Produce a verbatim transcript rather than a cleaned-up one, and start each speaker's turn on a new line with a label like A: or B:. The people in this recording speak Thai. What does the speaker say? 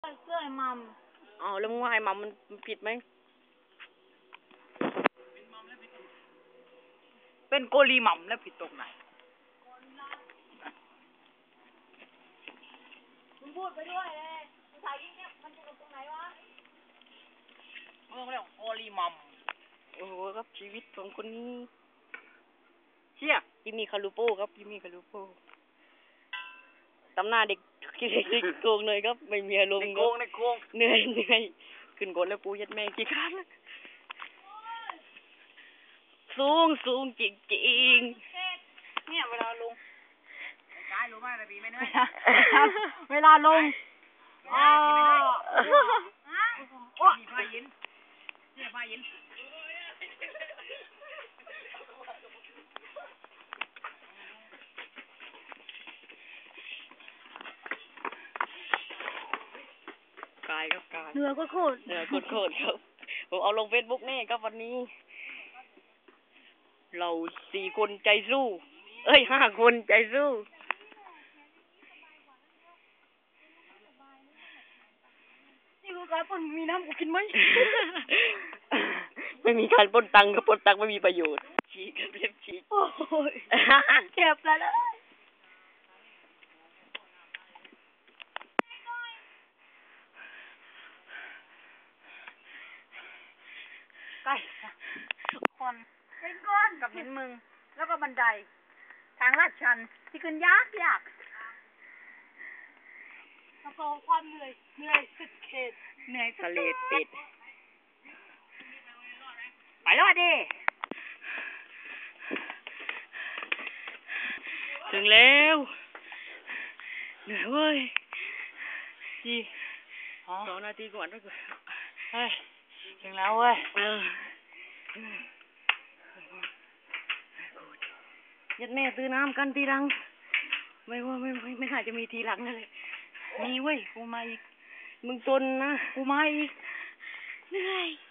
A: เสื้อไอ้มัม
B: อ๋อแล้วมึงว่าไอ้มัมมันผิดไหม
A: เป็นโกลีมัมแล้วผิดตรงไหนมึงพูดไปด้วยเลยมึงถ่ายยิ่งเนี่ยมันผิดตรงไหนวะมึงเรียกโกลีมัม
B: โอ้โหครับชีวิตของคนนี้เชี่ยจิมมี่คารูโป้ครับจิมมี่คารูโป้ตำหน้าเด็กเด็กโกงเลยครับไม่มีอารมณ์
A: ในโกงในโกง
B: เหนื่อยเหนื่อยขึ้นกดแล้วกูยัดแม่งกี่ครั้งสูงสูงจริงจริง
A: เนี่ยเวลาลงกายรู้ไหมระบีไม่เหนื่อยเวลาลงอ๋อโอ้ยพายินเนี่ยพายิน
B: กายครับกาย
A: เหนื่อยก็โคตร
B: เหนื่อยโคตรครับผมเอาลงเฟซบุ๊กนี่ครับวันนี้เราสี่คนใจสู้เอ้ยห้าคนใจสู้
A: นี่คือการปนมีน้ำกูกินไหม
B: ไม่มีการปนตังกับปนตังไม่มีประโยชน์ฉีกเรียบฉีก
A: โอ้ยเจ็บแล้วนะใกล้คนเป็นก้อนกับเห็นมึงแล้วก็บันไดทางลาดชันที่ขึ้นยากยากแล้วก็ความเหนื่อยเหนื่อยสุดเขตเหนื่อยสุด
B: ทะเลปิด
A: ไปรอดดิ
B: ถึงแล้วเหนื่อยเว้ยจีสองนาทีก่อนด้วยกัน
A: เฮ้ยถึงแล้วเว้ย
B: เออยัดแม่ซื้อน้ำกันทีหลังไม่ว่าไม่ไม่ไม่น่าจะมีทีหลังนั่นเลย
A: มีเว้ยกูมาอีก
B: มึงจนนะ
A: กูมาอีก
B: เหนื่อย